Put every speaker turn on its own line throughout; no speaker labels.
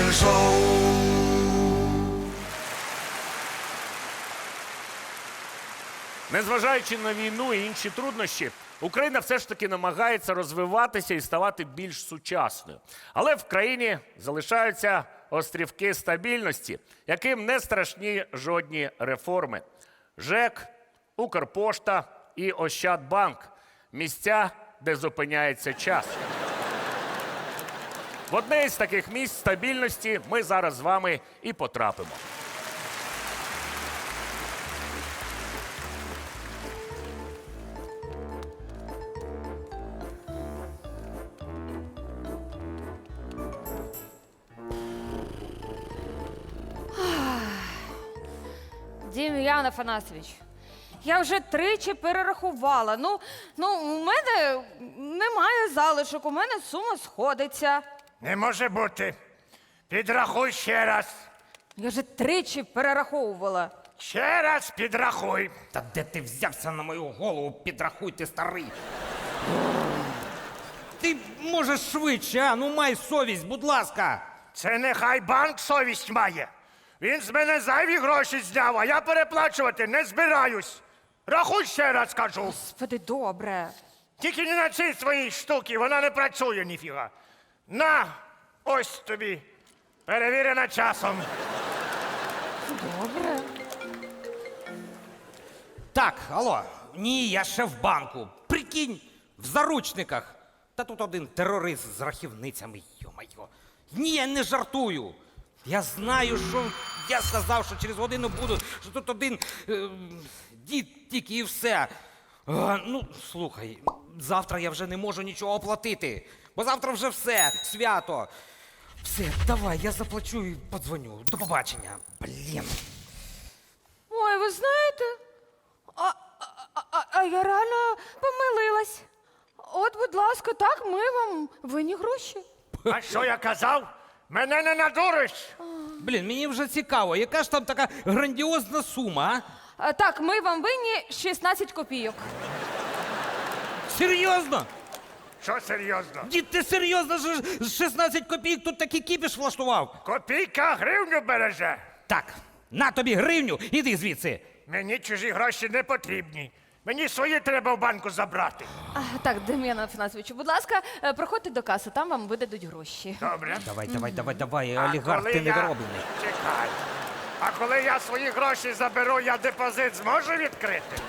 Шоу.
Незважаючи на війну і інші труднощі, Україна все ж таки намагається розвиватися і ставати більш сучасною. Але в країні залишаються острівки стабільності, яким не страшні жодні реформи. ЖЕК, Укрпошта і Ощадбанк – місця, де зупиняється час. В одне із таких місць стабільності ми зараз з вами і потрапимо.
Дем'ян Афанасович, я вже тричі перерахувала. У мене немає залишок, у мене сума сходиться.
Не може бути. Підрахуй ще раз.
Я вже тричі перераховувала.
Ще раз підрахуй.
Та де ти взявся на мою голову? Підрахуй, ти старий. Ти можеш швидше, а? Ну май совість, будь ласка.
Це нехай банк совість має. Він з мене зайві гроші зняв, а я переплачувати не збираюсь. Рахуй ще раз, кажу.
Господи, добре.
Тільки не на цій своїй штуці, вона не працює ніфіга. На, ось тобі. Перевірена часом.
Добре.
Так, алло. Ні, я ще в банку. Прикинь, в заручниках. Та тут один терорист з рахівницями, йо-майо. Ні, я не жартую. Я знаю, що я сказав, що через годину буду, що тут один дід тільки і все. Слухай, завтра я вже не можу нічого оплатити, бо завтра вже все, свято. Все, давай, я заплачу і подзвоню. До побачення. Блін.
Ой, ви знаєте, а я реально помилилась. От, будь ласка, так, ми вам винні гроші.
А що я казав? Мене не надуриш.
Блін, мені вже цікаво, яка ж там така грандіозна сума, а?
Так, ми вам винні 16 копійок.
Серйозно?
Що серйозно?
Дід, ти серйозно ж з 16 копійок тут такий кіпіш влаштував?
Копійка гривню береже.
Так, на тобі гривню, іди звідси.
Мені чужі гроші не потрібні. Мені свої треба в банку забрати.
Так, Дем'ян Афанасовичу, будь ласка, проходьте до каси, там вам видадуть гроші.
Добре.
Давай,
А
олігарх,
коли
ти
я-
недороблений.
Чекай. А коли я свої гроші заберу, я депозит зможу відкрити?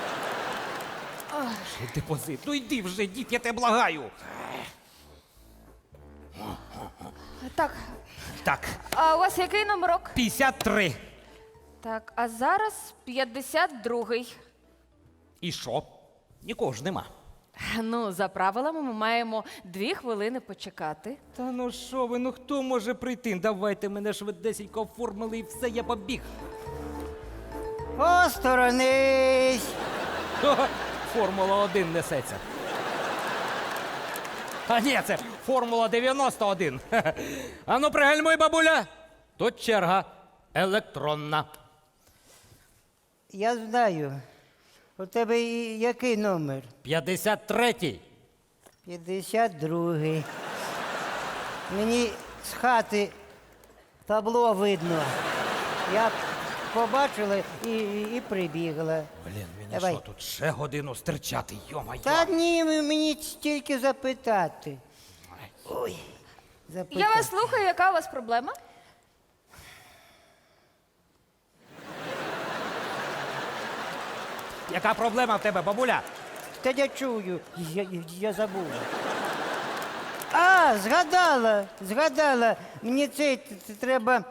Депозит, ну йди вже, дід, я тебе благаю.
Так,
Так,
а у вас який номерок?
53.
Так, а зараз 52-й.
І що? Нікого ж нема.
Ну, за правилами ми маємо 2 хвилини почекати.
Та ну що ви, ну хто може прийти? Давайте мене швидесенько оформили і все, я побіг.
Осторонись!
Ха-ха, Формула 1 несеться. А ні, це Формула 91. Ха-ха. А ну пригальмуй, бабуля. Тут черга електронна.
Я знаю. У тебе який номер?
53-й.
52-й. Мені з хати табло видно. Я побачила і прибігла.
Блін, мені
Давай.
що, тут ще годину стирчати, йо-моє.
Та ні, мені тільки запитати. Ой, запитати.
Я вас слухаю, яка у вас проблема?
Яка проблема в тебе, бабуля?
Та я чую, я забула. А, згадала. Мені треба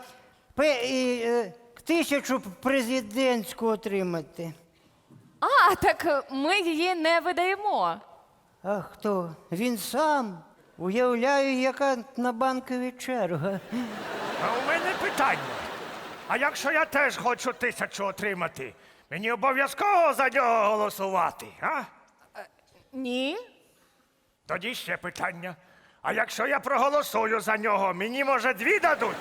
1000 президентську отримати.
Так ми її не видаємо.
А хто? Він сам. Уявляю, яка на банковій черга.
А у мене питання. А якщо я теж хочу 1000 отримати, мені обов'язково за нього голосувати, а?
Ні.
Тоді ще питання. А якщо я проголосую за нього, мені, може, 2 дадуть?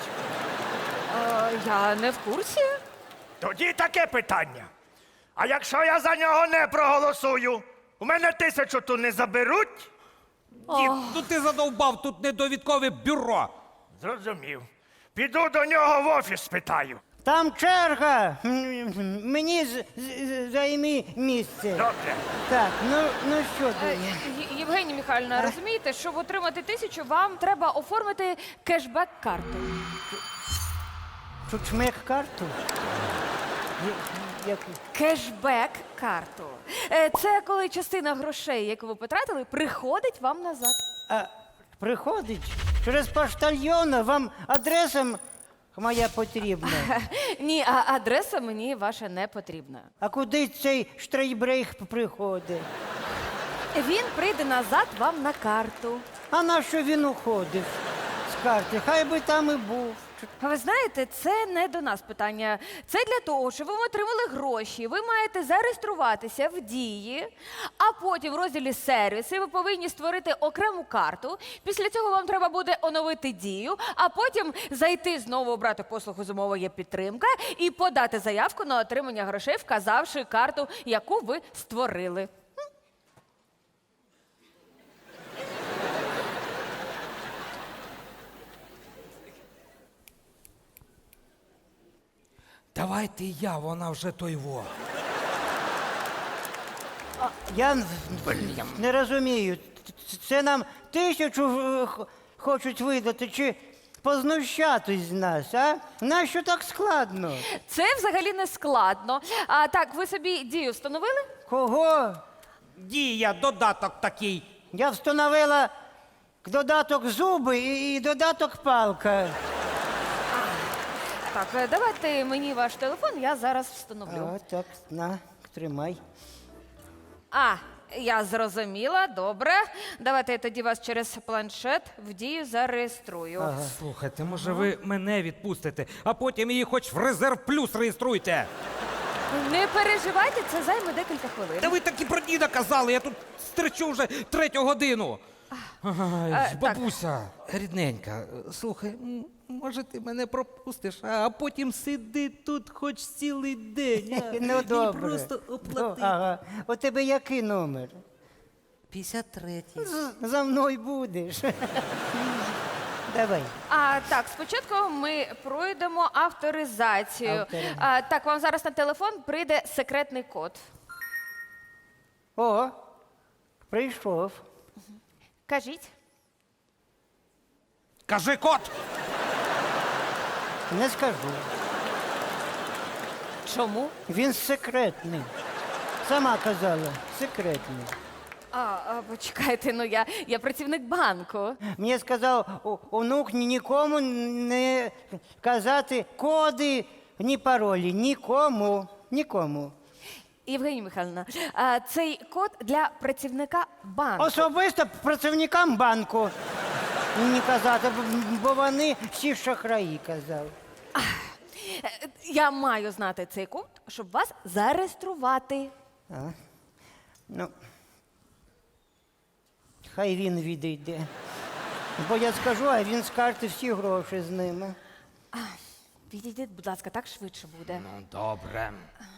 Я не в курсі.
Тоді таке питання. А якщо я за нього не проголосую, у мене 1000 ту не заберуть?
Дід, ну ти задовбав, тут недовідкове бюро.
Зрозумів. Піду до нього в офіс спитаю.
Там черга. Мені займи місце.
Добре.
Так, ну що
Е,
ти?
Євгенія Михайлівна, розумієте, щоб отримати 1000, вам треба оформити кешбек-карту.
Чучмек карту? Як?
Кешбек-карту. Це коли частина грошей, яку ви потратили, приходить вам назад.
А приходить через поштальйона, вам адреса моя потрібна.
Ні, а адреса мені ваша не потрібна.
А куди цей штрейбрейх приходить?
Він прийде назад вам на карту.
А на що він уходив з карти? Хай би там і був.
А ви знаєте, це не до нас питання. Це для того, щоб ви отримали гроші. Ви маєте зареєструватися в дії, а потім в розділі сервіси ви повинні створити окрему карту. Після цього вам треба буде оновити дію, а потім зайти знову обрати послугу «Зумова є підтримка» і подати заявку на отримання грошей, вказавши карту, яку ви створили.
Давайте я, вона вже той во.
Я не розумію, це нам 1000 хочуть видати чи познущатись з нас, а? Нащо так складно?
Це взагалі не складно. А так, ви собі дію встановили?
Кого?
Дія, додаток такий.
Я встановила додаток зуби і додаток палка.
Так, давайте мені ваш телефон, я зараз встановлю.
А, так, на, тримай.
А, я зрозуміла, добре. Давайте я тоді вас через планшет в дію зареєструю.
Слухайте, може ви мене відпустите, а потім її хоч в резерв плюс реєструйте.
Не переживайте, це займе декілька хвилин.
Та ви так і про діда казали, я тут стерчу вже 3-ю годину. Ай,
так.
бабуся, рідненька, слухай, може ти мене пропустиш, а потім сиди тут хоч цілий день. А?
Ну,
Мені
добре.
просто оплати.
Ага. У тебе який номер?
53.
За мною будеш. Давай.
А так, спочатку ми пройдемо авторизацію. Так, вам зараз на телефон прийде секретний код.
О, прийшов.
Кажіть.
Кажи кот!
Не скажу.
Чому?
Він секретний. Сама казала, секретний.
Почекайте, ну я працівник банку.
Мені сказав онук нікому не казати коди, ні паролі. Нікому. Нікому.
Євгенія Михайлівна, цей код для працівника банку.
Особисто працівникам банку не казати, бо вони всі шахраї, казав.
Я маю знати цей код, щоб вас зареєструвати.
Ну, хай він відійде. Бо я скажу, а він з карти всі гроші з ними.
Відійдіть, будь ласка, так швидше буде.
Ну, добре.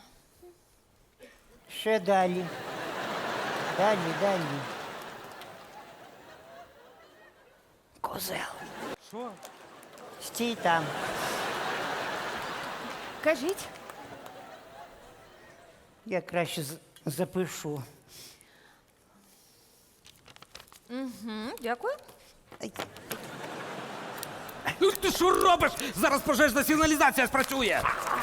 Ще далі. Далі. Козел.
Що?
Стій там.
Кажіть.
Я краще запишу.
Дякую.
Ти що робиш? Зараз пожежна сигналізація спрацює.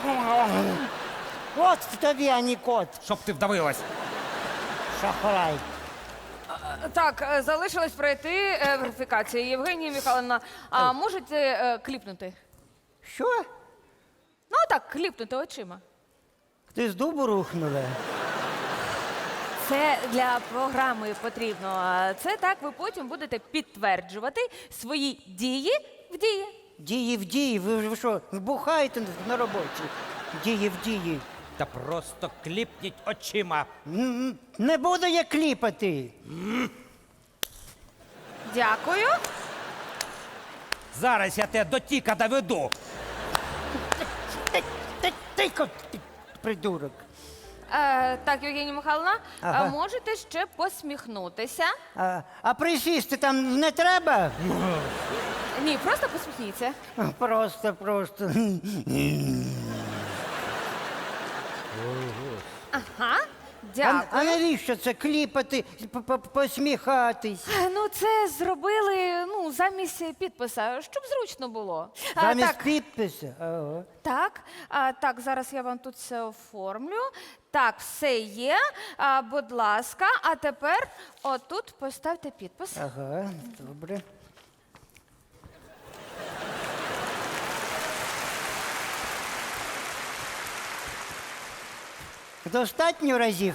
От тобі, а не кот.
Щоб ти вдавилась.
Шахрай.
Так, залишилось пройти верифікацію. Євгенія Михайловна, а можете кліпнути?
Що?
Ну так, кліпнути очима.
Ти з дубу рухнула?
Це для програми потрібно. А це так ви потім будете підтверджувати свої дії в дії.
Дії в дії. Ви що, бухаєте на роботі? Дії в дії.
Та просто кліпніть очима.
Не буду я кліпати.
Дякую.
Зараз я тебе до тіка доведу.
Ти придурок.
Так, Євгенія Михайловна,
Ага.
можете ще посміхнутися.
А присісти там не треба?
Ні, просто посміхніться.
Просто.
Ага,
А
дякую.
навіщо це кліпати, посміхатись?
Ну, це зробили замість підписа, щоб зручно було.
Замість
Так,
підпису? Ага.
так, зараз я вам тут все оформлю. Так, все є. Будь ласка, а тепер отут поставте підпис.
Ага, добре. Достатньо разів?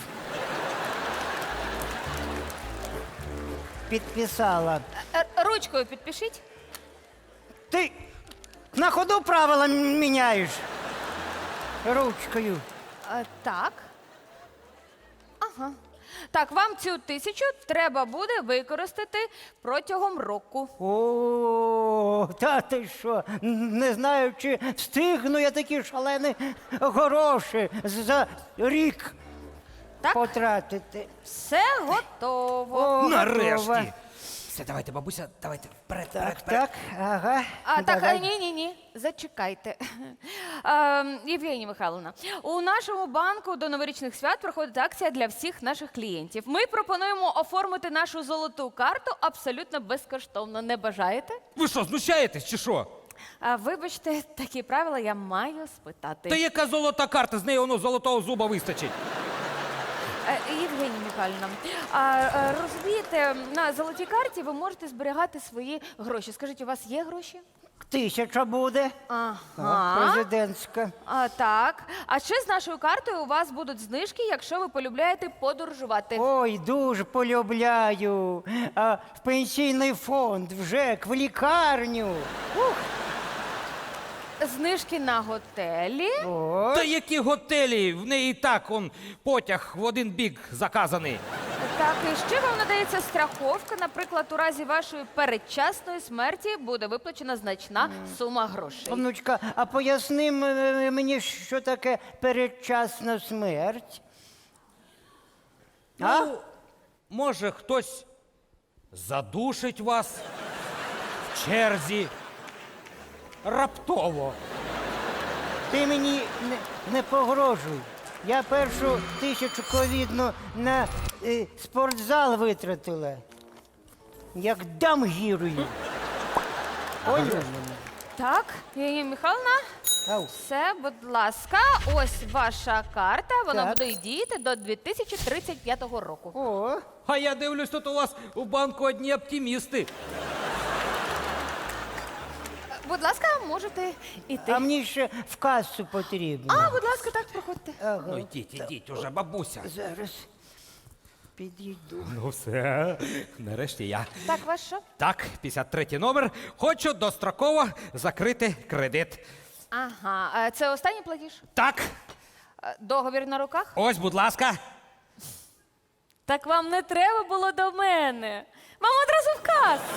Підписала.
Ручкою підпишіть.
Ти на ходу правила міняєш. Ручкою.
Так. Ага. Так, вам цю 1000 треба буде використати протягом року.
О, та ти що? Не знаю, чи встигну я такі шалені гроші за рік
Так,
потратити.
все готово.
О,
Нарешті.
готова.
Все, давайте, бабуся, давайте вперед,
Так, так, ага.
Так,
Давай.
ні, зачекайте. Євгенія Михайловна, у нашому банку до новорічних свят проходить акція для всіх наших клієнтів. Ми пропонуємо оформити нашу золоту карту абсолютно безкоштовно. Не бажаєте?
Ви що, знущаєтесь чи що?
Вибачте, такі правила я маю спитати.
Та яка золота карта, з неї воно золотого зуба вистачить.
Євгенія Михайлівна, розумієте, на золотій карті ви можете зберігати свої гроші. Скажіть, у вас є гроші?
1000 буде.
Ага.
Президентська.
Так. А ще з нашою картою у вас будуть знижки, якщо ви полюбляєте подорожувати.
Ой, дуже полюбляю. В пенсійний фонд, в ЖЕК, в лікарню.
Знижки на готелі.
О,
Та які готелі? В неї і так потяг в один бік заказаний.
Так, і ще вам надається страховка. Наприклад, у разі вашої передчасної смерті буде виплачена значна сума грошей.
внучка, а поясни мені, що таке передчасна смерть? А?
Ну, може, хтось задушить вас в черзі раптово.
Ти мені не погрожуй. Я першу 1000 ковідну на спортзал витратила. Як дам гірою. Поняла мене?
Так, Євгенія Михайловна,
Ау.
все, будь ласка, ось ваша карта. Вона
Так.
буде діяти до 2035 року.
О,
А я дивлюсь, тут у вас у банку одні оптимісти.
Будь ласка, можете іти.
а мені ще в касу потрібно.
Будь ласка, так, проходьте.
Ага.
Ну йдіть уже, бабуся.
Зараз підійду.
Ну все, нарешті я.
Так, ваш що?
Так, 53 номер. Хочу достроково закрити кредит.
Ага, це останній платіж?
Так,
Договір на руках?
ось, будь ласка.
Так вам не треба було до мене. Вам одразу в касу.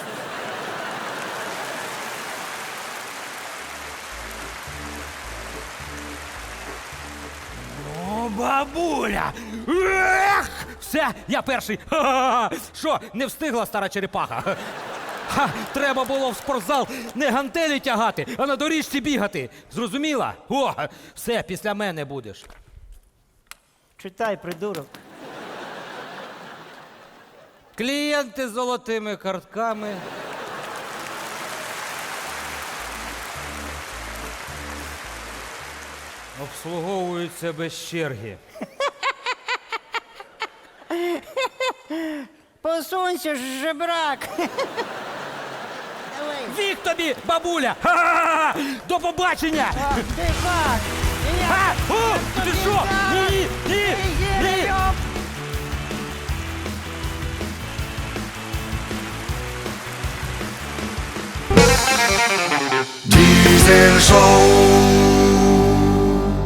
О, бабуля! Ех! Все, я перший. Ха-ха-ха! Що, не встигла стара черепаха? Ха, треба було в спортзал не гантелі тягати, а на доріжці бігати. Зрозуміла? О, все, після мене будеш.
Читай, придурок.
Клієнти з золотими картками. Обслуговуються без черги.
Посунься, жебрак. Давай.
Вік тобі, бабуля! Ха-ха-ха! До побачення!
Ти бак.
А! О! Ти що? Ні! Ні! Ні!
Diesel Show.